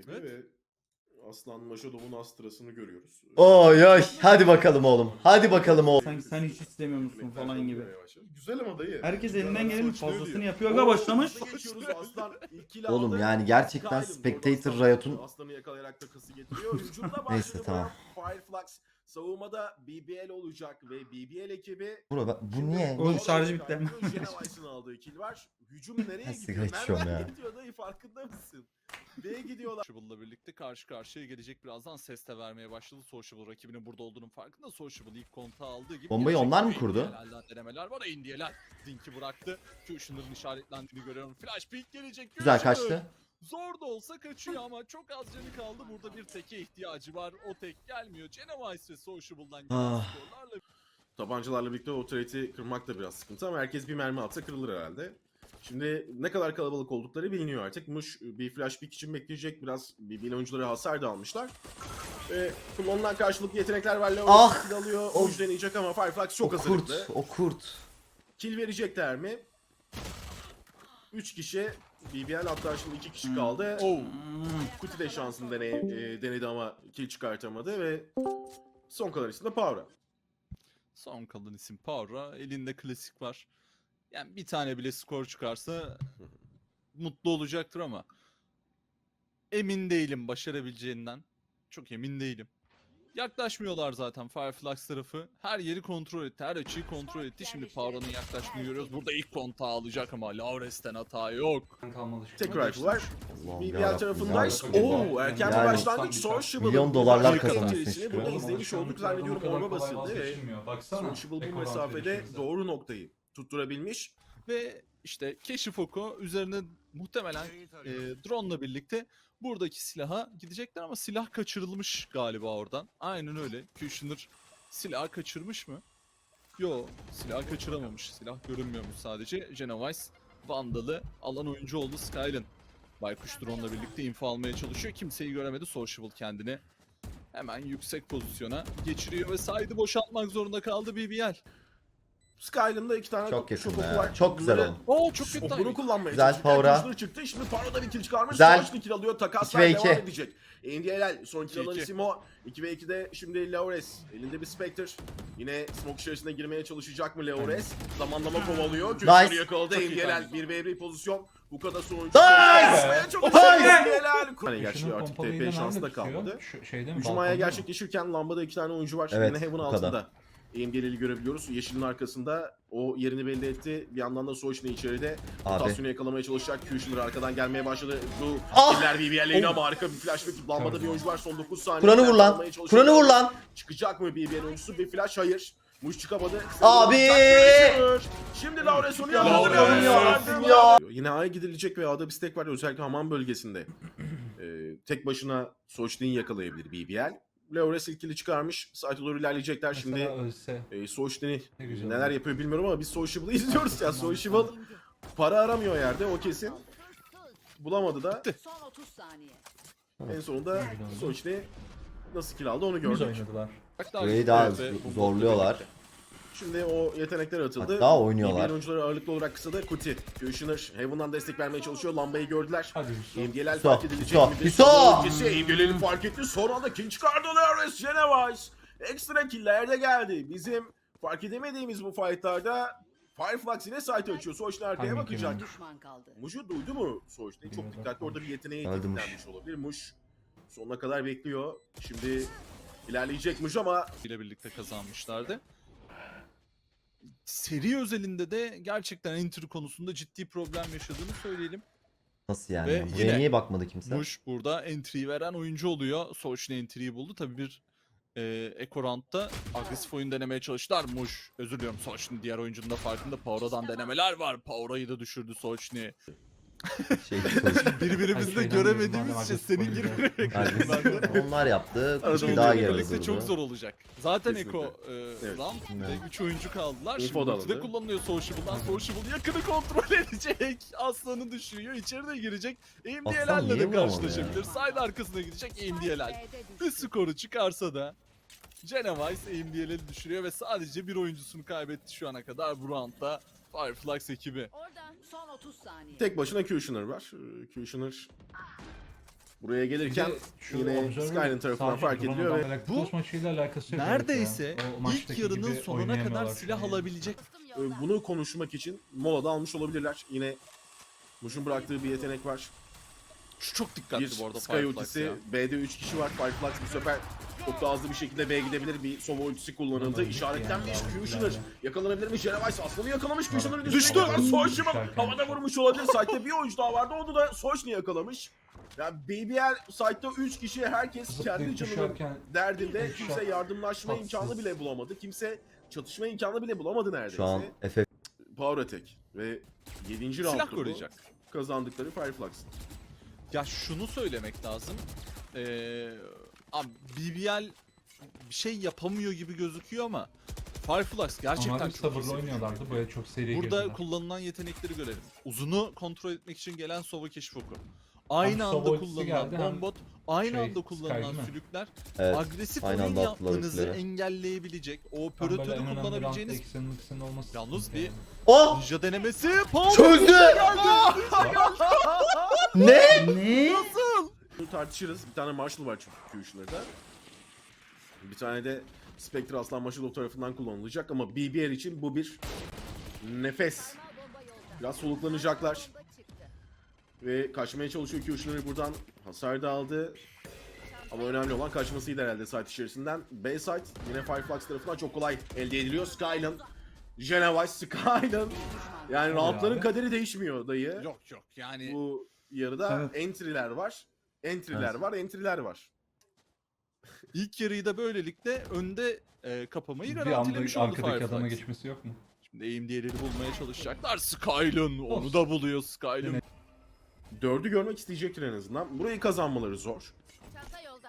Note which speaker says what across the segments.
Speaker 1: Evet.
Speaker 2: ve Aslan Maşadov'un Astra'sını görüyoruz.
Speaker 3: Oy oy. Hadi bakalım oğlum. Hadi bakalım oğlum.
Speaker 4: Sanki sen hiç istemiyor musun falan gibi.
Speaker 2: Güzel ama dayı.
Speaker 4: Herkes elinden gelenin
Speaker 1: Sonuçta
Speaker 4: fazlasını
Speaker 1: ölüyor.
Speaker 4: yapıyor. Aga başlamış.
Speaker 2: Geçiyoruz Aslan ilk kill
Speaker 3: Oğlum
Speaker 2: aldı.
Speaker 3: yani gerçekten
Speaker 2: Skyrim
Speaker 3: Spectator
Speaker 2: doğru
Speaker 3: Riot'un
Speaker 2: Aslan'ı yakalayarak takası getiriyor. Hücumda başladı.
Speaker 3: Neyse, tamam.
Speaker 2: Fireflux savunmada BBL olacak ve BBL ekibi
Speaker 3: bu niye?
Speaker 4: Oğlum
Speaker 3: Ne?
Speaker 4: şarjı bitti hemen.
Speaker 2: Genovice'ın aldığı kill var. Hücum nereye
Speaker 3: Ben
Speaker 2: gidiyor?
Speaker 3: sigara içiyorum
Speaker 2: Nereden
Speaker 3: ya.
Speaker 2: gidiyor dayı farkında mısın? B'ye gidiyorlar.
Speaker 1: Sociable'la birlikte karşı karşıya gelecek, birazdan ses de vermeye başladı. Sociable rakibinin burada olduğunun farkında. Sociable ilk kontağı aldığı gibi.
Speaker 3: Bombayı
Speaker 1: gelecek.
Speaker 3: onlar mı kurdu?
Speaker 1: Indiyelerden denemeler var. Indiyeler Dink'i bıraktı. Kushner'ın işaretlendiğini görüyorum. Flash peek gelecek.
Speaker 3: Güzel
Speaker 1: Kushner.
Speaker 3: kaçtı.
Speaker 1: Zor da olsa kaçıyor ama çok az canı kaldı. Burada bir teke ihtiyacı var. O tek gelmiyor. Genovice ve Sociable'dan gelen
Speaker 3: Ah.
Speaker 1: skorlarla
Speaker 2: Tabancalarla birlikte o trade'i kırmak da biraz sıkıntı ama herkes bir mermi atsa kırılır herhalde. Şimdi ne kadar kalabalık oldukları biliniyor artık. Muş bir flash pick için bekleyecek. Biraz BBL oyuncuları hasar da almışlar. Kullanılan karşılıklı yetenekler var. Leo
Speaker 3: Ah!
Speaker 2: kill alıyor.
Speaker 3: O-
Speaker 2: Muş deneyecek ama Fireflux çok
Speaker 3: O kurt.
Speaker 2: hazırlıklı.
Speaker 3: O kurt.
Speaker 2: Kill verecekler mi? 3 kişi. BBL hatta şimdi 2 kişi kaldı. Kuti de şansını denedi ama kill çıkartamadı ve son kalan isim de Power'a.
Speaker 1: son kalan isim Power'a. Elinde klasik var. Yani bir tane bile skor çıkarsa mutlu olacaktır ama emin değilim başarabileceğinden. Çok emin değilim. Yaklaşmıyorlar zaten Fireflux tarafı. Her yeri kontrol etti. Her açıyı kontrol etti. Şimdi Power'ın yaklaştığını görüyoruz. Burada ilk kontağı alacak ama Laures'ten hata yok.
Speaker 2: Tek rifle var.
Speaker 3: Allah'ım
Speaker 2: BBL
Speaker 3: yarabbim,
Speaker 2: tarafındayız.
Speaker 3: yarabbim.
Speaker 2: Oo, erken bir
Speaker 3: Yani
Speaker 2: başlangıç. Sociable'ın
Speaker 3: milyon dolarlar
Speaker 2: dakika
Speaker 3: kazanırsın
Speaker 2: içerisinde
Speaker 3: işte.
Speaker 2: burada izlemiş olduk zannediyorum orma basıldı ve Sociable bu mesafede doğru noktayı tutturabilmiş.
Speaker 1: Ve işte keşif oku üzerine muhtemelen drone'la birlikte buradaki silaha gidecekler ama silah kaçırılmış galiba oradan. Aynen öyle. Kushner silah kaçırmış mı? Yo, silah kaçıramamış. Silah görünmüyormuş sadece. Genovice Vandal'ı alan oyuncu oldu Skylen. Baykuş drone'la birlikte info almaya çalışıyor. Kimseyi göremedi. Sociable kendini hemen yüksek pozisyona geçiriyor ve side'ı boşaltmak zorunda kaldı BBL.
Speaker 2: Skyline'da 2 tane
Speaker 3: Çok
Speaker 2: şok
Speaker 3: yakın
Speaker 2: oku
Speaker 3: ya.
Speaker 2: var.
Speaker 3: Çok güzel
Speaker 2: Bunları-
Speaker 3: oğlum.
Speaker 1: Oo çok kötü
Speaker 2: Okunu
Speaker 1: timing.
Speaker 2: kullanmaya
Speaker 3: Güzel
Speaker 2: çalışırken
Speaker 3: Power'a.
Speaker 2: Kushner çıktı. Şimdi Power'da bir kill çıkarmış.
Speaker 3: Güzel.
Speaker 2: Savaşlı kill alıyor. Takaslar
Speaker 3: 2 ve 2.
Speaker 2: devam edecek. NDLL son kill alan
Speaker 1: 2-2.
Speaker 2: isim o. 2 ve 2'de şimdi Laures. Elinde bir Spectre. Yine smoke içerisine girmeye çalışacak mı Laures? Zamanlama kovalıyor. Kushner'ı
Speaker 3: Nice.
Speaker 2: yakaladı.
Speaker 1: Çok iyi
Speaker 2: NDLL
Speaker 1: timing.
Speaker 2: 1v1 pozisyon. Bu kadar sonuncu.
Speaker 3: Nice.
Speaker 2: NDLL. Hani gerçi
Speaker 5: Şunun
Speaker 2: artık
Speaker 5: pompalıyla
Speaker 2: TP
Speaker 5: nerede
Speaker 2: şansı da
Speaker 5: tutuyor?
Speaker 2: kalmadı.
Speaker 5: Şeyde mi?
Speaker 2: Hücum ayağı gerçekleşirken lambada 2 tane oyuncu var.
Speaker 3: Evet,
Speaker 2: Yine Heaven
Speaker 3: bu kadar.
Speaker 2: altında. EMG'leri görebiliyoruz. Yeşilin arkasında o yerini belli etti. Bir yandan da Soğuş'un içeride
Speaker 3: Abi.
Speaker 2: rotasyonu yakalamaya çalışacak. Kushner arkadan gelmeye başladı. Bu
Speaker 3: Ah!
Speaker 2: killer BBL'ine ama harika bir flash ve lambada bir oyuncu var. Son 9 saniye.
Speaker 3: Kur'an'ı vur lan.
Speaker 2: Almaya çalışıyor.
Speaker 3: Kur'an'ı vur lan.
Speaker 2: Çıkacak mı BBL oyuncusu? Bir flash hayır. Muş çıkamadı.
Speaker 3: Abi!
Speaker 2: Şimdi Laures onu
Speaker 1: Laures
Speaker 2: yakaladı.
Speaker 3: yarabbim ya.
Speaker 2: Yine A'ya gidilecek ve A'da bir stack var. Özellikle hamam bölgesinde. Tek başına Soğuş'u yakalayabilir BBL. Laures ilkili çıkarmış. Site'e doğru ilerleyecekler. Şimdi
Speaker 5: ölse.
Speaker 2: Soğuş'u
Speaker 5: Ne güzel
Speaker 2: neler
Speaker 5: olur.
Speaker 2: yapıyor bilmiyorum ama biz Sociable'ı izliyoruz ya. Sociable para aramıyor yerde, o kesin. Bulamadı da
Speaker 6: Son 30 saniye.
Speaker 2: en sonunda Soğuş'u nasıl kill aldı onu
Speaker 5: Temiz
Speaker 2: gördük.
Speaker 5: oynadılar.
Speaker 3: Burayı daha
Speaker 1: Evet, bu
Speaker 3: zorluyorlar.
Speaker 2: Şimdi o yetenekler atıldı.
Speaker 3: Hatta oynuyorlar.
Speaker 2: BBL oyuncuları ağırlıklı olarak kısada Kuti. Kushner Heaven'dan destek vermeye çalışıyor. Lambayı gördüler.
Speaker 5: Hadi Yusuf.
Speaker 2: İmgeler
Speaker 3: Hüso,
Speaker 2: fark edilecek
Speaker 3: Hüso,
Speaker 2: mi?
Speaker 3: Hüso!
Speaker 2: İmgeleri fark etti. Son anda kill çıkardı Laures Genovice. Ekstra killer de geldi. Bizim fark edemediğimiz bu fightlarda Fireflux yine site açıyor. Soğuş'un arkaya
Speaker 5: Timing
Speaker 2: bakacak.
Speaker 5: yememiş.
Speaker 6: Düşman kaldı.
Speaker 2: Muş'u duydu mu Soğuş'u? Çok
Speaker 5: Bilmiyorum.
Speaker 2: dikkatli, orada bir yeteneğe
Speaker 3: Öldü Muş.
Speaker 2: kilitlenmiş olabilir. Muş sonuna kadar bekliyor. Şimdi ilerleyecek Muş ama
Speaker 1: ile birlikte kazanmışlardı. Seri özelinde de gerçekten entry konusunda ciddi problem yaşadığını söyleyelim.
Speaker 3: Nasıl yani?
Speaker 1: Ve
Speaker 3: Buraya
Speaker 1: yine
Speaker 3: niye bakmadı kimse?
Speaker 1: Muş burada entry veren oyuncu oluyor. Soğuş'un entry'yi buldu. Tabii bir Eco Round'da agresif oyun denemeye çalıştılar. Muş, özür diliyorum, Soğuş'un diğer oyuncunun da farkında. Power'dan denemeler var. Power'ayı da düşürdü Soğuş'u.
Speaker 3: Şey,
Speaker 1: Birbirimizde
Speaker 5: şeyden
Speaker 1: göremediğimiz
Speaker 5: madem
Speaker 1: için
Speaker 5: agresif
Speaker 1: senin
Speaker 5: oyun
Speaker 1: girmeni
Speaker 3: yani
Speaker 1: bekliyorum ben de.
Speaker 3: onlar yaptı.
Speaker 1: Arada
Speaker 3: Kutu daha
Speaker 1: oyuncularla
Speaker 3: geri
Speaker 1: birlikte çok zor olacak. Zaten
Speaker 2: Kesinlikle.
Speaker 1: Eko
Speaker 2: Evet.
Speaker 1: round
Speaker 3: Evet.
Speaker 1: ve 3 oyuncu kaldılar.
Speaker 2: Info
Speaker 1: Şimdi
Speaker 2: da
Speaker 1: ulti de
Speaker 2: alındı.
Speaker 1: kullanılıyor Sociable'dan. Sociable yakını kontrol edecek. Aslanı düşürüyor. İçeride girecek.
Speaker 3: Aslan
Speaker 1: MDL'lerle
Speaker 3: niye
Speaker 1: de
Speaker 3: vuramadı
Speaker 1: karşılaşabilir. Side arkasına gidecek MDL'ler.
Speaker 6: B'de
Speaker 1: Bir
Speaker 6: düştü.
Speaker 1: skoru çıkarsa da Genovice MDL'leri düşürüyor ve sadece bir oyuncusunu kaybetti şu ana kadar bu roundda Fireflux ekibi.
Speaker 6: Orada son 30 saniye.
Speaker 2: tek başına Kushner var. Kushner Buraya gelirken
Speaker 5: Bir de şu
Speaker 2: yine
Speaker 5: Observer
Speaker 2: Skyline tarafından
Speaker 5: sadece
Speaker 2: fark
Speaker 5: drone
Speaker 2: ediliyor ve
Speaker 5: olarak
Speaker 1: bu
Speaker 5: Close maçıyla alakası yok.
Speaker 1: neredeyse
Speaker 5: evet ya. O
Speaker 1: ilk
Speaker 5: maçtaki
Speaker 1: yarının
Speaker 5: gibi
Speaker 1: sonuna kadar
Speaker 5: oynayamıyorlar
Speaker 1: silah
Speaker 5: şu an.
Speaker 1: alabilecek.
Speaker 2: bunu konuşmak için molada almış olabilirler. Yine Muş'un bıraktığı bir yetenek var.
Speaker 1: Şu çok dikkatli
Speaker 2: Bir
Speaker 1: bu arada
Speaker 2: Sky
Speaker 1: Fireflux
Speaker 2: ultisi,
Speaker 1: ya.
Speaker 2: B'de 3 kişi var. Fireflux bu sefer çok daha hızlı bir şekilde B'ye gidebilir. Bir Sova ultisi kullanıldı.
Speaker 5: Tamam,
Speaker 2: İşaretlenmiş.
Speaker 5: yani,
Speaker 2: Kushner
Speaker 5: yani.
Speaker 2: yakalanabilir mi? Jeremiah aslanı yakalamış. Kushner'ın
Speaker 1: Düştü.
Speaker 2: Soşim'in
Speaker 5: Düşerken
Speaker 2: havada
Speaker 5: düştü.
Speaker 2: vurmuş olabilir. Site'de bir oyuncu daha vardı. Onu da Soşni yakalamış. Yani BBL site'de 3 kişi, herkes kendi
Speaker 5: Zıplayıp
Speaker 2: canının
Speaker 5: düşerken
Speaker 2: derdinde.
Speaker 5: headshot,
Speaker 2: Kimse yardımlaşma
Speaker 5: tatsız.
Speaker 2: imkanı bile bulamadı. Kimse çatışma imkanı bile bulamadı neredeyse.
Speaker 3: Şu an FF
Speaker 2: Power Attack ve 7.
Speaker 1: Silah
Speaker 2: round'da bu
Speaker 1: koruyacak.
Speaker 2: kazandıkları Fireflux.
Speaker 1: Ya şunu söylemek lazım. Abi BBL bir şey yapamıyor gibi gözüküyor ama Fireflux gerçekten
Speaker 5: Onlar
Speaker 1: çok iyi
Speaker 5: sabırlı
Speaker 1: seviyede.
Speaker 5: oynuyorlardı. Böyle çok seri
Speaker 1: Burada
Speaker 5: girdiler.
Speaker 1: kullanılan yetenekleri görelim. Uzunu kontrol etmek için gelen Sova keşfoku. Aynı
Speaker 5: Hem
Speaker 1: anda
Speaker 5: Sova ultisi
Speaker 1: kullanılan
Speaker 5: geldi, hem
Speaker 1: bombot, aynı
Speaker 5: şey,
Speaker 1: anda kullanılan
Speaker 5: Sky değil mi?
Speaker 1: sülükler
Speaker 3: evet.
Speaker 1: agresif
Speaker 3: Aynı
Speaker 1: oyun
Speaker 3: anda attılar
Speaker 1: yapmanızı
Speaker 3: ultileri.
Speaker 1: engelleyebilecek, o
Speaker 5: Tam böyle
Speaker 1: operatörü
Speaker 5: en önemli roundda
Speaker 1: kullanabileceğiniz
Speaker 5: ikisinin olması.
Speaker 1: Yalnız
Speaker 5: sıkıntı
Speaker 1: bir-
Speaker 5: yani.
Speaker 3: Oh!
Speaker 1: ninja denemesi. Power
Speaker 3: Çözdü! Ne?
Speaker 4: Ne?
Speaker 2: Bunu tartışırız. Bir tane Marshall var çünkü Kushner'da. Bir tane de Spectre Aslan Marshall tarafından kullanılacak ama BBL için bu bir nefes. Biraz soluklanacaklar. Ve kaçmaya çalışıyor Kushner, buradan hasar da aldı. Ama önemli olan kaçmasıydı herhalde site içerisinden. B site yine Fireflux tarafından çok kolay elde ediliyor. Skyline, Genevice, Skyline. Yani roundların
Speaker 5: abi.
Speaker 2: kaderi değişmiyor dayı.
Speaker 1: Yok yok yani
Speaker 2: Bu yarıda
Speaker 4: Evet.
Speaker 2: entry'ler var. Entry'ler
Speaker 3: Evet.
Speaker 2: var, entry'ler var.
Speaker 1: ilk yarıyı da böylelikle önde kapamayı
Speaker 5: Bir
Speaker 1: garantilemiş
Speaker 5: anda
Speaker 1: oldu
Speaker 5: arkadaki adama
Speaker 1: Fireflux.
Speaker 5: geçmesi yok mu?
Speaker 1: Şimdi aim diğerleri bulmaya çalışacaklar. Skyline onu
Speaker 5: Olsun.
Speaker 1: da buluyor Skyline.
Speaker 5: Yine-
Speaker 2: 4'ü görmek isteyecektir en azından. Burayı kazanmaları zor.
Speaker 6: Çanta yolda.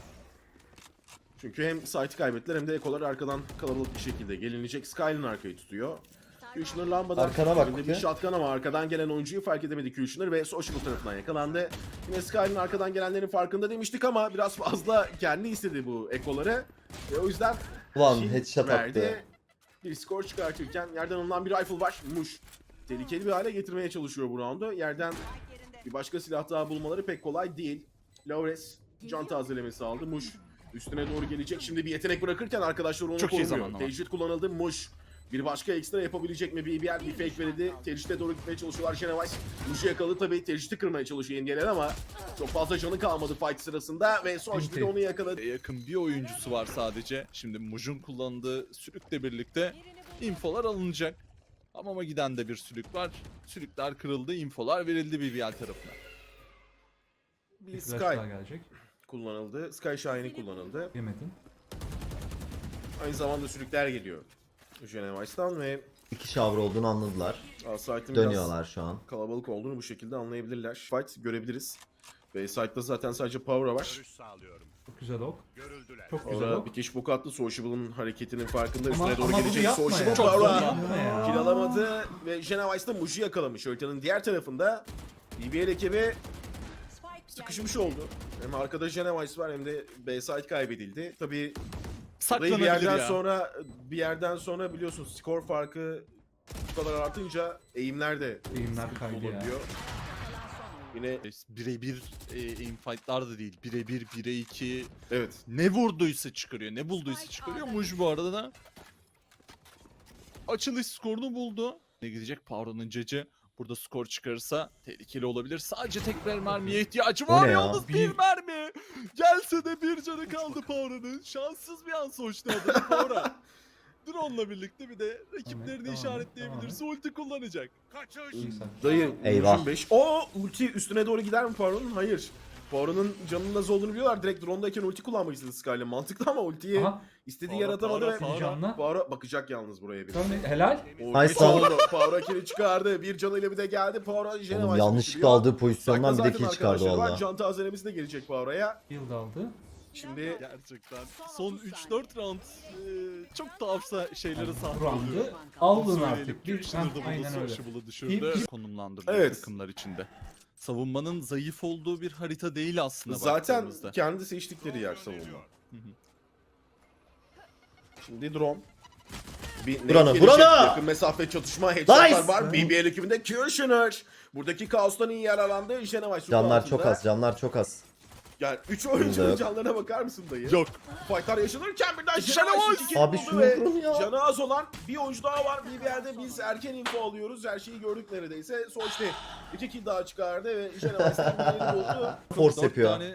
Speaker 2: Çünkü hem site'ı kaybettiler hem de ekolar arkadan kalabalık bir şekilde gelinecek. Skyline arkayı tutuyor. Kushner lambadan
Speaker 3: Arkana bak
Speaker 2: elinde bir
Speaker 3: bakayım.
Speaker 2: shotgun ama arkadan gelen oyuncuyu fark edemedi Kushner ve Social tarafından yakalandı. Yine Skyline arkadan gelenlerin farkında demiştik ama biraz fazla kendi istedi bu ekoları. Ve o yüzden
Speaker 3: Ulan
Speaker 2: kill
Speaker 3: headshot
Speaker 2: verdi.
Speaker 3: attı.
Speaker 2: Bir skor çıkartırken yerden alınan bir rifle var. Muş. Tehlikeli bir hale getirmeye çalışıyor bu roundu. Yerden bir başka silah daha bulmaları pek kolay değil. Laures can tazelemesi aldı. Muş üstüne doğru gelecek. Şimdi bir yetenek bırakırken arkadaşlar onu
Speaker 1: Çok iyi
Speaker 2: korumuyor.
Speaker 1: zamanlama.
Speaker 2: Tecrit kullanıldı. Muş bir başka ekstra yapabilecek mi? BBL bir fake verildi. Tecrit'e doğru gitmeye çalışıyorlar. Genevice Muş'u yakaladı tabii. Tecrit'i kırmaya çalışıyor NBA'ler ama çok fazla canı kalmadı fight sırasında ve sonuçta
Speaker 5: Binti.
Speaker 2: onu yakaladı.
Speaker 1: Yakın bir oyuncusu var sadece. Şimdi Muj'un kullandığı sülükle birlikte infolar alınacak. Hamama giden de bir sülük var. Sülükler kırıldı, infolar verildi BBL tarafına.
Speaker 2: Bir
Speaker 5: Bir
Speaker 2: Sky
Speaker 5: flash daha gelecek.
Speaker 2: kullanıldı. Sky Shine'i kullanıldı.
Speaker 5: Yemedin.
Speaker 2: Aynı zamanda sülükler geliyor. Genevice'dan ve
Speaker 3: İki şavr olduğunu anladılar.
Speaker 2: Asayt'ın biraz
Speaker 3: Dönüyorlar şu an.
Speaker 2: kalabalık olduğunu bu şekilde anlayabilirler. Fight görebiliriz. Ve site'da zaten sadece Power'a var.
Speaker 5: Çok güzel ok. Çok güzel
Speaker 2: Orada
Speaker 5: ok.
Speaker 2: bir kişi boku attı. Sociable'ın hareketinin farkında.
Speaker 5: Ama-
Speaker 2: Üstüne doğru
Speaker 5: ama bunu
Speaker 2: gelecek.
Speaker 5: yapma
Speaker 2: Sociable
Speaker 5: ya.
Speaker 1: Çok
Speaker 2: Power'a
Speaker 1: zorlandı.
Speaker 5: Ya.
Speaker 2: kill alamadı. Ve Genevice'da Muj'u yakalamış. Haritanın diğer tarafında BBL ekibi sıkışmış oldu. Hem arkada Genevice var hem de B site kaybedildi. Tabii burayı
Speaker 1: Saklanabilir
Speaker 2: bir yerden sonra biliyorsunuz skor farkı bu kadar artınca eğimler de
Speaker 5: Eğimler kaydı ya.
Speaker 2: olabiliyor. Yine
Speaker 1: Birebir aim fight'lar da değil. Birebir 1'e 2.
Speaker 2: evet.
Speaker 1: Ne vurduysa çıkarıyor, ne bulduysa çıkarıyor. Muj bu arada da açılış skorunu buldu. Ne gidecek? Power'ın cacı. Burada skor çıkarırsa tehlikeli olabilir. Sadece tek bir mermiye ihtiyacı
Speaker 3: O
Speaker 1: var.
Speaker 3: ne ya?
Speaker 1: Yalnız bir mermi. Gelse de bir canı kaldı Power'ın. Şanssız bir an sonuçta adamı Power'a. Drone'la birlikte bir de rakiplerini
Speaker 5: Tamam,
Speaker 1: işaretleyebilirse ulti kullanacak.
Speaker 2: Dayı
Speaker 3: Eyvah.
Speaker 2: Muj'un 5. O ulti üstüne doğru gider mi Power'ın? Hayır. Power'ın canının az olduğunu biliyorlar. Direkt drone'dayken ulti kullanmak istedi Skyline. Mantıklı ama ultiyi
Speaker 5: Aha.
Speaker 2: istediği
Speaker 1: Power'a,
Speaker 2: yaratamadı ve
Speaker 1: Power'a,
Speaker 5: Canla.
Speaker 2: Power'a bakacak yalnız buraya bir.
Speaker 5: Tamam, helal.
Speaker 3: Nice lan.
Speaker 2: Power'a kill'i çıkardı. Bir canıyla bir de geldi. Power'a
Speaker 3: Oğlum
Speaker 2: Genevice
Speaker 3: yanlışlıkla aldığı pozisyondan bir de
Speaker 2: Zaten
Speaker 3: kill çıkardı
Speaker 2: arkadaşları var.
Speaker 3: valla.
Speaker 2: Can tazelemesi de gelecek Power'a.
Speaker 5: Yıl aldı.
Speaker 2: Şimdi
Speaker 1: Gerçekten. Son 3-4 round çok tuhafsa şeylere sahne
Speaker 5: Bu
Speaker 1: oluyor.
Speaker 5: roundu aldın
Speaker 1: Söyleyelim.
Speaker 5: artık. Bir
Speaker 1: Kushner da
Speaker 5: aynen
Speaker 1: bunu
Speaker 5: öyle.
Speaker 1: Sociable'ı düşürdü.
Speaker 5: Bir-
Speaker 1: Konumlandırdı
Speaker 2: Evet.
Speaker 1: takımlar içinde. Savunmanın zayıf olduğu bir harita değil aslında
Speaker 2: zaten
Speaker 1: baktığımızda.
Speaker 2: kendi seçtikleri yer savunma.
Speaker 1: Hı hı.
Speaker 2: Şimdi drone. Bir
Speaker 3: Burana,
Speaker 2: net
Speaker 3: burana!
Speaker 2: gelecek. Yakın mesafe çatışma headshotlar
Speaker 3: Nice!
Speaker 2: var. BBL ekibinde Kushner. Buradaki kaostan iyi yararlandı. Genevice
Speaker 3: Canlar
Speaker 2: altında.
Speaker 3: çok az, canlar çok az.
Speaker 2: Yani 3 oyuncunun
Speaker 3: Yok.
Speaker 2: canlarına bakar mısın dayı?
Speaker 1: Yok.
Speaker 2: Fightlar yaşanırken birden
Speaker 1: Şenol!
Speaker 2: Şenol iki
Speaker 3: Abi
Speaker 2: buldu
Speaker 3: şunu
Speaker 2: ve
Speaker 3: vurun ya.
Speaker 2: canı az olan bir oyuncu daha var. Bir yerde biz erken info alıyoruz. Her şeyi gördük neredeyse. Sonuçta 2 kill daha çıkardı ve Şenol bir buldu.
Speaker 3: Force
Speaker 1: 4
Speaker 3: yapıyor.
Speaker 1: tane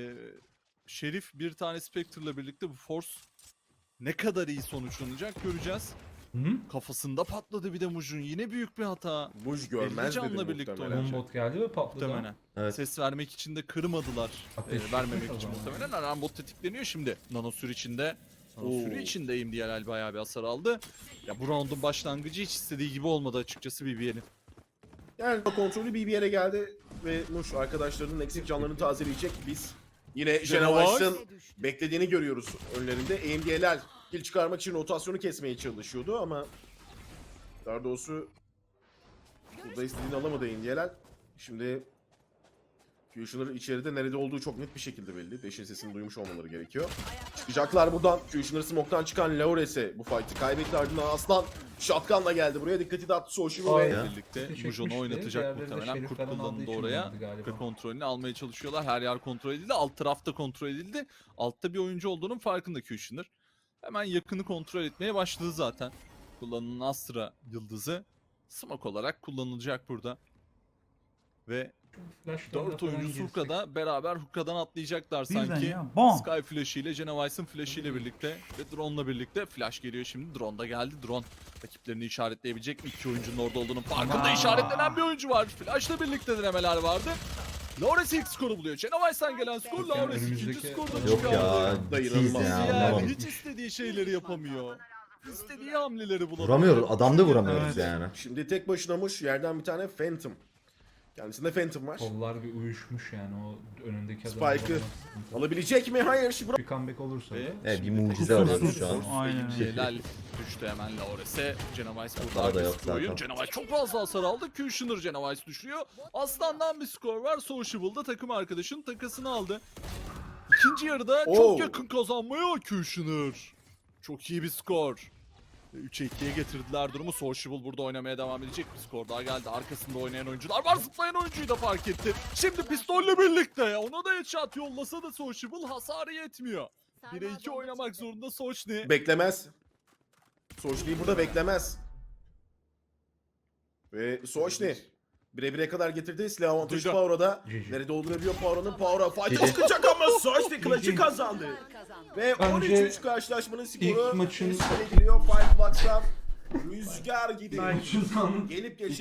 Speaker 1: Şerif, bir tane Spectre'la birlikte bu Force ne kadar iyi sonuçlanacak göreceğiz.
Speaker 5: Hı?
Speaker 1: Kafasında patladı bir de Muj'un. Yine büyük bir hata.
Speaker 2: Muj görmez
Speaker 1: canla
Speaker 2: dedi
Speaker 1: birlikte
Speaker 2: muhtemelen.
Speaker 5: Bombot geldi ve patladı.
Speaker 1: Muhtemelen.
Speaker 3: Evet.
Speaker 1: Ses vermek için de kırmadılar.
Speaker 5: Ateş
Speaker 1: Vermemek
Speaker 5: çıkmış o
Speaker 1: için
Speaker 5: zaman.
Speaker 1: muhtemelen. Arambot tetikleniyor şimdi. Nanosür içinde.
Speaker 2: Oo.
Speaker 1: Nanosür içinde MDLL bayağı bir hasar aldı. Ya bu round'un başlangıcı hiç istediği gibi olmadı açıkçası BBL'in.
Speaker 2: Yani kontrolü bir yere geldi ve Muş arkadaşlarının eksik canlarını tazeleyecek. Biz yine Genovice'ın beklediğini görüyoruz önlerinde. AMD'ler kill çıkarmak için rotasyonu kesmeye çalışıyordu ama daha doğrusu burada istediğini alamadı AMD'ler. Şimdi Fusioner içeride nerede olduğu çok net bir şekilde belli. Dash'in sesini duymuş olmaları gerekiyor. Çıkacaklar buradan. Fusioner smoke'tan çıkan Laures'e bu fight'ı kaybetti. Ardından Aslan shotgun'la geldi buraya. Dikkati dağıttı Soulshivel ve
Speaker 3: Aynen.
Speaker 1: birlikte
Speaker 5: Çekmişti.
Speaker 1: Mujon'u oynatacak
Speaker 5: Diğerleri de
Speaker 1: muhtemelen.
Speaker 5: Şerif
Speaker 1: Kurt
Speaker 5: falan aldığı
Speaker 1: kullanıldı
Speaker 5: için
Speaker 1: oraya.
Speaker 5: oynadı galiba.
Speaker 1: Ve kontrolünü almaya çalışıyorlar. Her yer kontrol edildi. Alt taraf da kontrol edildi. Altta bir oyuncu olduğunun farkında Kushner. Hemen yakını kontrol etmeye başladı zaten. Kullanılan Astra yıldızı smoke olarak kullanılacak burada. Ve
Speaker 5: Flash'tan da
Speaker 1: 4
Speaker 5: falan
Speaker 1: oyuncu
Speaker 5: girsek.
Speaker 1: Surka'da beraber Hookah'dan atlayacaklar
Speaker 4: Birden
Speaker 1: sanki.
Speaker 4: ya. Bam.
Speaker 1: Sky Flash ile Genovice'ın Flash ile birlikte ve Drone'la birlikte Flash geliyor şimdi. Drone da geldi. Drone rakiplerini işaretleyebilecek mi? 2 oyuncunun orada olduğunun farkında
Speaker 4: Aa.
Speaker 1: işaretlenen bir oyuncu var. Flash'la birlikte denemeler vardı. Lawrence ilk skoru buluyor. Genovice'den gelen skor Lawrence ikinci
Speaker 5: önümüzdeki-
Speaker 1: skorda
Speaker 3: Yok
Speaker 1: çıkardı.
Speaker 3: ya.
Speaker 2: Dayanılmaz
Speaker 3: Ciddiyiz ya.
Speaker 1: Yani
Speaker 3: Anlamadım.
Speaker 1: hiç istediği şeyleri yapamıyor. İstediği hamleleri bulamıyor.
Speaker 3: Vuramıyoruz. Adam da vuramıyoruz
Speaker 4: Evet.
Speaker 3: yani.
Speaker 2: şimdi tek başına Muş yerden bir tane Phantom. Kendisinde Phantom var.
Speaker 5: Kollar bir uyuşmuş yani o önündeki adam.
Speaker 2: Spike'ı Alabilecek mi? Hayır. Şimdi
Speaker 5: Bir comeback olursa da.
Speaker 1: Ve
Speaker 3: Evet, bir
Speaker 1: şimdi
Speaker 3: mucize
Speaker 1: tekrar
Speaker 3: arıyoruz şu an.
Speaker 1: Force
Speaker 4: Aynen.
Speaker 1: Helal düştü hemen Lawrence'e. Genovice burada
Speaker 3: Hata da yok
Speaker 1: agresif bir oyun.
Speaker 3: zaten.
Speaker 1: Genovice çok fazla hasar aldı. Kushner Genovice düşürüyor. Aslan'dan bir skor var. Sociable'da takım arkadaşının takasını aldı. İkinci yarıda
Speaker 2: Oo.
Speaker 1: çok yakın kazanmaya Kushner. Çok iyi bir skor. 3'e 2'ye getirdiler durumu. Sociable burada oynamaya devam edecek. Bir skor daha geldi. Arkasında oynayan oyuncular var. Zıplayan oyuncuyu da fark etti. Şimdi pistolle birlikte. Ona da headshot yollasa da Sociable hasarı yetmiyor. 1'e 2 oynamak zorunda Sochni.
Speaker 2: beklemez. Sochni'yi burada beklemez. Ve Sochni bire kadar getirdi. Silah avantajı
Speaker 1: Duydu.
Speaker 2: Power'a.
Speaker 5: GG.
Speaker 2: Nerede olduğunu Power'ın Power'a fight'a
Speaker 3: GG.
Speaker 2: çıkacak ama Sochni clutch'ı kazandı. Ve
Speaker 5: Bence
Speaker 2: 13-3 karşılaşmanın skoru
Speaker 5: ilk maçın-
Speaker 2: üstüne geliyor. Five Blocks'tan rüzgar gibi
Speaker 4: Ay, şuradan.
Speaker 2: gelip geçen